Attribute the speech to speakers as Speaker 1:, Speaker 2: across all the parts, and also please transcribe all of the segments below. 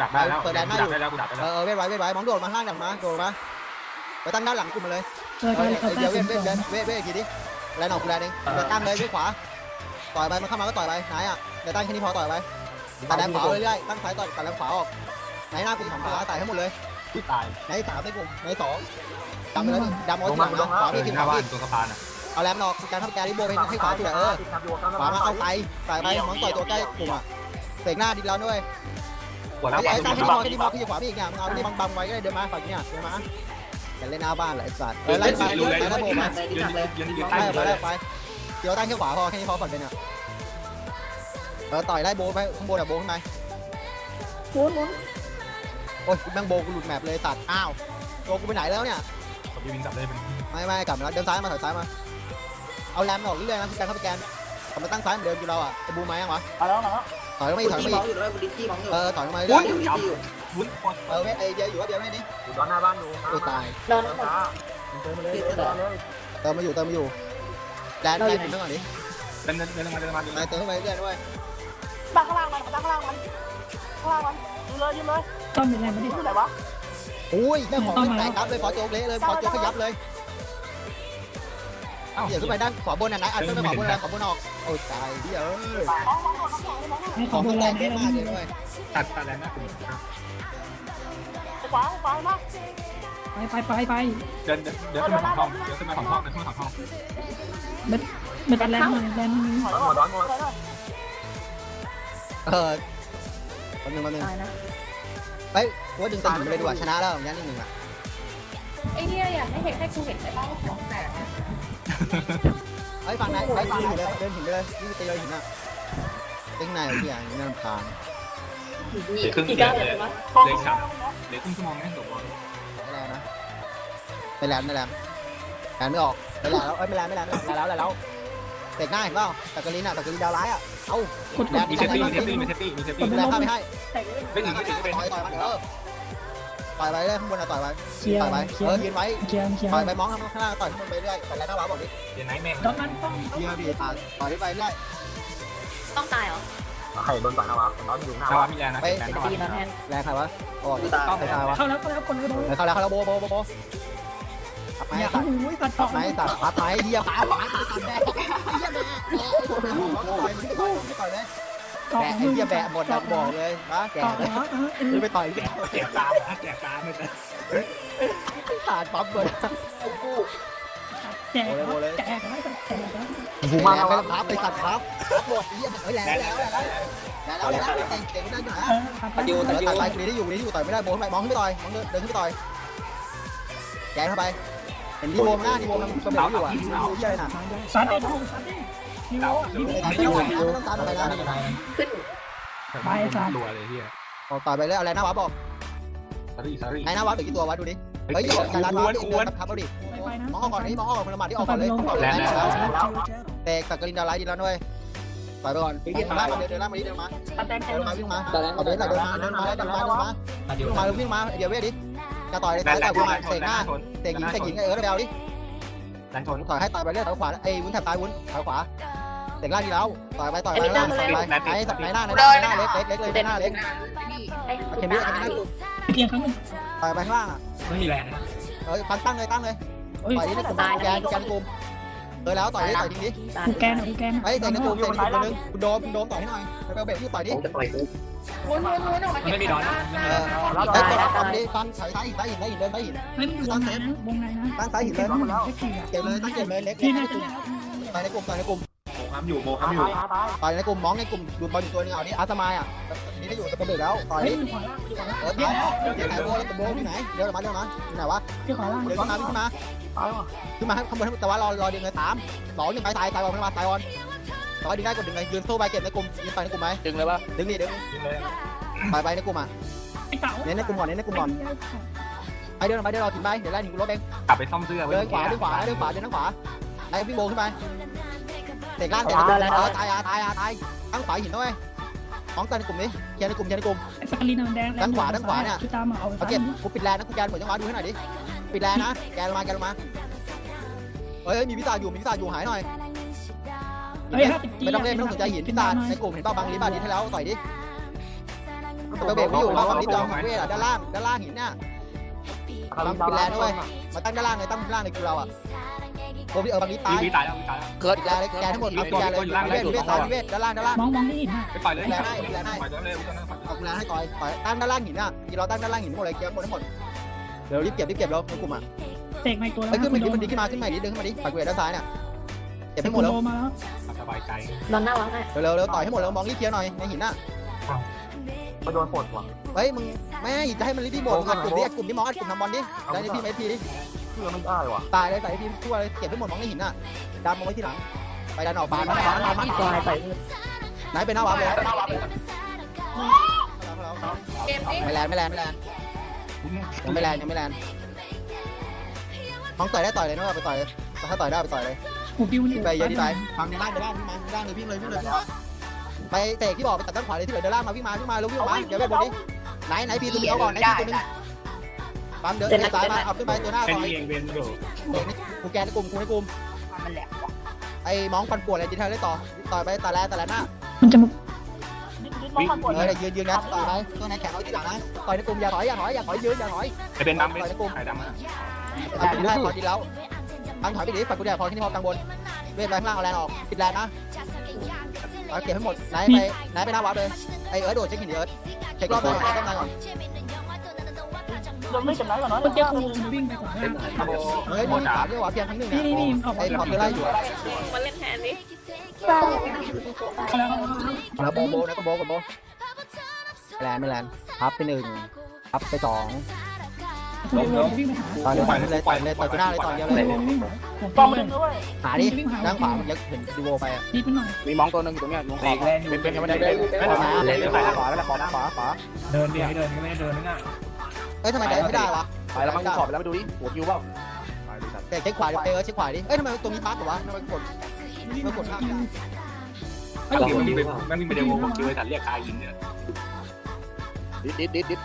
Speaker 1: ดักได้แล้ว
Speaker 2: เปิดแดนหน้าอยู่เวทไว้มองโดดมาข้างดักมาโดดมาไปตั้งด้านหลังกลุ่มมาเลยเดี๋ยวเวทกี่ดิแลนออกกูแลนเองเดี๋ยวตั้งเลยด้วยขวาต่อยไปมันเข้ามาก็ต่อยไปไหนอ่ะเดี๋ยวตั้งแค่นี้พอต่อยไปตัดแรงขวาเรื่อยๆตั้งซ้ายต่อยตัดแรงขวาออกไหนหน้ากลุ่มของตัวตายทั้งหมดเลย
Speaker 1: ตาย
Speaker 2: ไหน3ในกลุ่มไหน2ดำไปแล้วดำเอาที่หลังมาขวาพี่
Speaker 1: หน้าบ้านตัวสะพานอ่ะ
Speaker 2: เอาแรมออกการทำแกริโบไปให้ขวาสุดขวามาเอาไปมองต่อยตัวใกล้กลุ่มอ่ะเสกหน้าดิแล้วด้วย
Speaker 1: ปวดแล้ว
Speaker 2: ไอ้ตั้งแค่นี้พอที่ขวาพี่อีกเนี่ยมึงเอาที่บังไว้ก็ได้เดินมาฝั่งนี้เดินมาแต่เล่นหน้าบ้านแหละไอ้สัตว์ไล่ไปแล้วโบมาไปเดี๋ยวตั้งแค่ขวาพอแค่นี้พอก่อนเป็นอ่ะต่อยไล่โบไปข้างบนอ่ะโบขึ้นไปโอ้ยแม่งโบกูหลุดแมปเลยตัดอ้าวโบกูไปไหนแล้วเนี่ย
Speaker 1: ผมจะวิ่งกลับได้เป็น
Speaker 2: ไม่กลับมาแล้วเดินซ้ายมาถอยซ้ายมาเอาแรมออกเรื่อยๆนะการเข้าไปแกนกลับมาตั้งซ้ายเหมือนเดิมอยู่เราอ่ะไอ้บูมไหมยังวะถอยลงมาอีกถอยลงมาอีกถอยลงมาเรื่อย
Speaker 1: วุ้น
Speaker 2: เว้ยไอ้เดียวอยู่ว่าเดียวไม่ดิ
Speaker 3: อยู่ด้านหน้าบ้านดู
Speaker 2: โอ้ตาย
Speaker 4: นอน
Speaker 2: เติมมาอยู่แดนถึงก่อนดิ
Speaker 1: เดินมา
Speaker 2: เติมเข้าไปเรื่อยด้วย
Speaker 4: บังข้างล่างมันบังข้างล่างมันยืนเลย
Speaker 5: ต้อมเป็นไรไม่ได้
Speaker 4: ที่ไหนวะ
Speaker 2: อุ้ยแม่ของแตกครับเลยขอโจกเละเลยขอโจกขยับเลยเดี๋ยวขึ้นไปด้านขวาบนนะอัดขึ้นไปขวาบนแล้วขวาบนออกโอ้ตายเดี๋ยว
Speaker 5: ให้
Speaker 2: ข
Speaker 5: ขอ
Speaker 2: อง
Speaker 5: โบ
Speaker 2: มันแต
Speaker 5: ราณ
Speaker 2: กเย
Speaker 5: ให้
Speaker 2: อะ
Speaker 5: เรา
Speaker 2: มาก
Speaker 5: ไม่
Speaker 2: เลย
Speaker 5: รู้
Speaker 2: ด้วย
Speaker 1: ตัดแรงนะคุณ
Speaker 4: ขวามา
Speaker 5: ไป
Speaker 1: เดินขึ้นมาของห้องเดินขึ้นมาของห้อง
Speaker 5: เบ็ดแรงหน่อยแรงนึง
Speaker 3: ร้อนหมด
Speaker 2: คนหนึ่ง
Speaker 4: ตายนะ
Speaker 2: เฮ้ยว่าดึงตันหินเลยดีกว่าชนะแล้วอย่างนี้1-1อ่ะ
Speaker 4: ไอ้เนี่ยอยากให้กูเห็นได้บ้างของแตก
Speaker 2: เฮ้ยฝั่งไหนไปฝั่งหินเลยเดินหินไปเลยนี่ตีเลยหินอ่ะเล่นไหนที่อย่างนี้น่ารำคาญ
Speaker 4: อีกการเลยวะ
Speaker 1: เล็กครับเล็กครึ่งชั่วโมงแม่งจบบอล
Speaker 2: ไม่แรงนะไม่แรงไม่ออกไม่แรงแล้วไม่แรงแล้วเตะหน้าเห็นเปล่าตะกรีนดาวร้ายอ่ะเอ้า
Speaker 1: มีเซฟตี้
Speaker 2: แรงข้าไม่ให้
Speaker 1: ไม่ถึง
Speaker 2: ต่อยมันต่อยไปเรื่อยข้างบนต่อยไป
Speaker 5: เคลีย
Speaker 2: ต่อย
Speaker 5: ร์
Speaker 2: ไปยืนไว้
Speaker 5: เคลียร์
Speaker 2: ต่อยไปมองข้างล่างต่อยข้างบนไปเรื่อยต่อยแล้วหน้าว้าบอกดิ
Speaker 1: เดี๋ยวไหนแม่ง
Speaker 5: ตอนนั้นต้อง
Speaker 2: เยี่ยมดีต่อยไปเรื่อย
Speaker 4: ต้องตายเหรอ
Speaker 3: ใครโดนต่อยนะวะร้อนอยู่หน้า
Speaker 1: นาวามีแรงนะ
Speaker 4: ดีนะแทน
Speaker 2: แรงใครวะโอ้ต้องไปตายวะ
Speaker 5: เข้าแล้วคนเลยโดน
Speaker 2: เข้าแล้วโบทับไม้
Speaker 5: อย่า
Speaker 2: ตัด
Speaker 5: โอ้ยตัด
Speaker 2: ทับไม้ทับไม้เยี่ยมขาหวานตัดแบะเยี่ยมแบะต่อยเลย
Speaker 5: ต่อ
Speaker 2: แบะ
Speaker 5: มือ
Speaker 2: เยี่ยมแบะหมดดักบอกเลยนะแก
Speaker 5: ต่อ
Speaker 2: เลยไปต่อยแก
Speaker 1: แจกตาไม่เป็น
Speaker 2: ขาดปั๊บเลย
Speaker 5: แจกแจกแล้วแจกแล้ว
Speaker 2: หูมาไปพับไปตัดพับหมดเยี่ยมเฮ้ยแล้วเก่งได้อยู่นะตัดไปคนนี้ได้อยู่ต่อยไม่ได้โบขึ้นไปมองขึ้นไปต่อยมองเดินขึ้นไปต่อยแกเข้าไปเห็นดีโบมหน้าดีโบมันกระเบนอยู่อ่ะดูเยี่ยเลยนะ
Speaker 5: ซัดเองซัดเองนิวนิว
Speaker 2: ไม่ต้องตามอะไรนะ
Speaker 4: ขึ้น
Speaker 1: รัวเลยเฮีย
Speaker 2: ต่อยไปเลยอะไรนะวะบอก
Speaker 1: ซารี่
Speaker 2: ไอ้นะวะเหลือกี่ตัววะดูดิเฮ้ยการรันวะทับเอาดิ
Speaker 5: ไปนะ
Speaker 2: มองออกก่อนนี่มองออกคนละหมัดที่ออกก่อนเลยเตะกับกรินดาวไลท์ดีแล้วด้วยต่อยไปก่อนเดินล่างมาเดินล่างมาดิเดินมา
Speaker 4: แตก
Speaker 2: เดินมาวิ่งมาเอาเดินมาวิ่งมาเดี๋ยวเวดิจะต่อยเลยต่อยกูมาเตะหน้าเตะหญิงไอ้เบลดิ
Speaker 1: แรงชน
Speaker 2: ต่อยให้ต่อยไปเรื่อยต่อยขวาไอ้วุ้นแถบซ้ายวุ้นต่อยขวาเตะล่างดีแล้วต่อยไปต่อยไปล่างไปไอ้สับไหนหน้าเล็กเลยหน้าเล็ก
Speaker 4: เห็นไหม
Speaker 5: เกียร์ครั้งนึง
Speaker 2: ต่อยไปข้างล่างอ่ะ
Speaker 1: ไม่มีแรงนะ
Speaker 2: ตั้งเลยต่อยนี่กลุ่มแกนกลุ่มแล้วต่อยจริงดิ
Speaker 5: กูแกนกูแกน
Speaker 2: ไอ้เตะในกลุ่มเตะในกลุ่มนึงคุณโดมต่อยให้หน่อยไปเบรกที่ต่อยดิ
Speaker 3: จะต่อยกู
Speaker 4: วนออกมาเก็บ
Speaker 1: ไม่มีดอน
Speaker 2: ไอ้ตัวทำดิตั้งใส่หินเดินใส่หิน
Speaker 5: เฮ้ยวงในนะวงในนะ
Speaker 2: ตั้งใส่หินเลย
Speaker 5: เก็บเลย
Speaker 2: เก็บเลยเล็ก
Speaker 5: พี่น่าจะแล้ว
Speaker 2: ต่อยในกลุ่ม
Speaker 1: โมค้ำอยู่
Speaker 2: ต่อยในกลุ่มมองในกลุ่มดูบอลอยู่ตัวนึงเอานี่อาร์ตมายอ่ะนี่ได้อยู่กับเบรกแล้วต่อย
Speaker 5: เฮ้ย
Speaker 2: ดิ
Speaker 5: ขวาล่างขวาล่าง
Speaker 2: เดี๋ยวไหนโบแล้วโบที่ไหนเดี๋ยวมาที่ไหนวะ
Speaker 5: ที่ขวาล่าง
Speaker 2: เดี๋ยวขึ้นมาข้างบนแต่ว่ารอดึงเลย3-2-1ไปตายบอลมาตายบอลต่อยดึงได้กดดึงเลยยืนสู้ไปเก็บในกลุ่มยืนต่อยในกลุ่มไหมดึงเลยปะดึงไปในกลุ่มอ่ะ
Speaker 5: ไอ้เต่า
Speaker 2: เน้นในกลุ่มก่อนไปเดินเราถึงไปเดี๋ยวไล่ถึงรถเอง
Speaker 1: กลับไปซ่อมเสื้อ
Speaker 2: เดินขวาเดินทางขวาไล่พี่โบขึ้นไปเตะล่างตายทั้งขวาหินด้วยมองตาในกลุ่มนี้เคลียร์ในกลุ่ม
Speaker 5: สกรีนแดงชุดตามมาเอา
Speaker 2: เอาเก็บกูปิดแลนะกูแกนเหมือนจังหวะดูให้หน่อยดิปิดแลนะแกนลงมาเฮ้ยมีพิซซ่าอยู่หายหน่อย
Speaker 5: เฮ้ย50
Speaker 2: ไม่ต้องเล่นไม่ต้องสนใจหินพิซซ่าในกลุ่มเห็นป่ะบางลิบาดิให้แล้วต่อยดิตัวเบรกไม่อยู่มาวันนี้จองเวทด้านล่างหินเนี่ยบางปิดแลนด้วยมาตั้งด้านล่างเลยตั้งด้านล่างในคิวเราอ่ะโอ้พี่บางนี้ตาย
Speaker 1: วีตายแล้ววีตายแล้ว
Speaker 2: เกิดแลนเลยแกทั้งหมดเอาแกเลยเวทตายเวทด้านล่าง
Speaker 5: มองที่หินอ่ะ
Speaker 1: ไปปล่อยเลย
Speaker 2: แลนให้
Speaker 1: ปล่อยเลย
Speaker 2: เอาแลนให้ต่อยตั้งด้านล่างหินอ่ะเราตั้งด้านล่างหินหมดเลยเก็บหมดทั้งหมดเดี๋ยวรีบเก็บแล้วในกลุ่มอ่ะ
Speaker 5: เสกในตัวแล้ว
Speaker 2: ไปขึ้นมาดิขึ้นมาดิดึงขึ้นมาดิปักเวทด้านซ้ายเนี่ยเก็บให้หมดแล้ว
Speaker 5: มาแล้ว
Speaker 1: สบายใจ
Speaker 6: นอนหน้าวังอ่ะ
Speaker 2: เร็วต่อยให้หมดแล้วมองรีบเคลียร์หน่อยในหินน่ะ
Speaker 3: มาโดนปลดว่ะ
Speaker 2: เฮ้ยมึงไม่จะให้มันรีบหมดอัดกลุ่มที่มองอัดกลุ่มทำบอลดิแล้วนี่พี่ไม่พีดิ
Speaker 3: เพื่อไม่ได้ว่ะ
Speaker 2: ตายเลยใส่พี่ทั่วเลยเก็บให้หมดมองในหินน่ะดันมองไว้ที่หลังไปดันออกบานมัน
Speaker 6: ตายไป
Speaker 2: ไหนไปหน้าวับเลย
Speaker 6: เกมนี้
Speaker 2: ไม่แลนยังไม่แลนมองต่อยได้ต่อยเลยนะไปต่อยเลยถ้าต่อยได้ไปต่อยเลย
Speaker 5: หูปิ้วนี่
Speaker 2: ไปเยอะที่ไปฟังในล่างพี่มาล่างเลยวิ่งเลยไปเตะที่บอกไปตัดด้านขวาเลยที่เหลือเดินล่างมาวิ่งมาแล้ววิ่งมาเดี๋ยวไปบนนี้ไหนพีตัวนี้เอาก่อนไหนพีตัวนึงปั๊มเดินซ้ายมาเอาขึ้นไปตัวหน้า
Speaker 1: เป็น
Speaker 2: ต่อย
Speaker 1: เองเวนอยู่
Speaker 2: กูแกนในกลุ่มไอ้มองฟันปวดอะไรดีเทลได้ต่อไปต่อแลหน้า
Speaker 5: มันจะ
Speaker 4: ดิ้นมองมันปวด
Speaker 2: ยืนนะต่อไปตัวไหนแข็งเอาที่หลังนะต่อยในกลุ่มอย่าถอยยืนอย่าถอย
Speaker 1: ไอเป็นดำเป็นไข่ดำนะ
Speaker 2: เอาไปได้พอดีแล้วตั้งถอยไปดิฝักกูแดดพอที่นี่พอตังบนเวทแรงล่างเอาแรงออกปิดแรงนะเอาเก็บให้หมดไหนไปหน้าวัดเลยไอ้โดดเช็คหินเช็ครอบก่อนก่อน
Speaker 4: โดนไม่จำไหนก่อนเนาะ
Speaker 5: มันจะคูวิ่งไปก่อน
Speaker 2: เฮ้ยนี่ขาด้วยวะเพียงครั้งหนึ่ง
Speaker 5: นี่
Speaker 2: เนี่ย
Speaker 5: ออก
Speaker 2: ไอ้พอเธอไล่อยู่
Speaker 6: มาเล่นแทนดิ
Speaker 5: แล้ว
Speaker 2: แล้วโบนะก็โบกับโบแลนไม่แลนพับไป1พับไป2
Speaker 5: วิ่งไปหา
Speaker 2: ต่อยเลยต่อยหน้าเลยต่อยเดียวเลย
Speaker 5: วิ่ง
Speaker 4: ป้อมมันด้วย
Speaker 2: หาดิด้านขวามันยังเห็นดูโบไปอ่ะ
Speaker 5: ดีเป็นหน่อย
Speaker 3: มีมองตัวนึงอยู่ตรงนี้มองขอบเป็นยังไม่ได้ขวาแล้วขวา
Speaker 1: เดินดิให้เดินไม่ได้เดินนั่นน่ะ
Speaker 2: เอ้ยทำไมเดินไม่ได้วะ
Speaker 3: ไปแล้วมันขอบแล้วไปดูดิหัวคิวเปล่า
Speaker 2: แต่เช็คขวาดิเช็คขวาดิเอ้ยทำไมตรงนี้พักเหรอวะทำไมกดข้าม
Speaker 5: ไอ้
Speaker 1: มัน
Speaker 5: โห
Speaker 1: วิ่งไปมันวิ่งไปเดี๋ยวผมคิวไอ้สัตว์เรียกคายินเนี่ย
Speaker 3: ดิด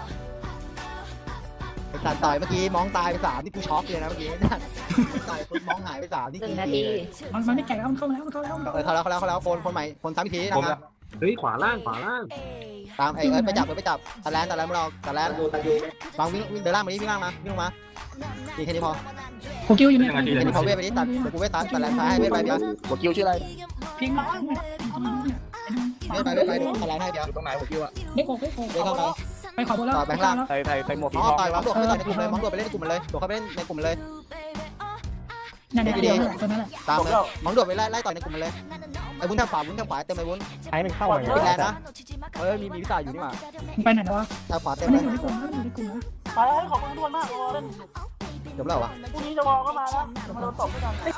Speaker 2: การต่อยเมื่อกี้มองตายไป3นี่กูช็อกเลยนะเมื่อกี้ต่อยคนมองหายไป3นี่
Speaker 6: 1 นาที
Speaker 5: มันไม่แก่แล้วมันเข้ามาแล้วเข้าแล้วคนใหม่คนซ้ำอีกทีนะครับ
Speaker 3: เฮ้ยขวาล่าง
Speaker 2: ตามไอ้ไปจับตะแลนมึงเราตะแลนฟังวิ่งเดินล่างมาดิวิ่งล่างมาดีแค่นี้พอ
Speaker 5: หูกิ้วอยู่เนี่ย
Speaker 2: แค่นี้พอเวทไปดิตัดกูเวทตัดตะแลนซ้ายให้เวทไปเดี๋ยว
Speaker 3: หัวคิวชื่ออะไร
Speaker 5: พิงมา
Speaker 2: เวทไปตะแลนให้เดี๋ยว
Speaker 3: อยู่ตรงไหนหัวคิวอ่ะ
Speaker 5: ได้โกไป
Speaker 2: เวทเข้าไป
Speaker 5: ไปขอบนแล้ว
Speaker 3: ใส่หมวก
Speaker 2: อ๋อต่อยมองโดดไปต่อยในกลุ่มเลยมองโดดไปเล่นในกลุ่มเลยโดดเข้าไปเล่นในกลุ่มเลย
Speaker 5: นั่นแหละเดียวตัวนั้นแหละ
Speaker 2: ตามเลยมองโดดไปไล่ต่อยในกลุ่มเลยไอ้วุ้นทางขวาเต็มเลยวุ้น
Speaker 3: ใช้มันเข้า
Speaker 2: ปิดแลนนะมีวิสาอยู่นี่มา
Speaker 5: ไปไหนแล้ววะ
Speaker 2: ทางขวาเต็ม
Speaker 5: ไม่
Speaker 2: เลย
Speaker 5: อยู่ในกลุ่มนะอยู่ในกลุ่มนะ
Speaker 4: ไปให้ขอบคุณทุกคนมากเล่น
Speaker 2: จบแล้ววะ
Speaker 4: พรุ่งนี้จะวอลก็มาแล้วมาโดนตบด้วยกัน
Speaker 5: ไอ้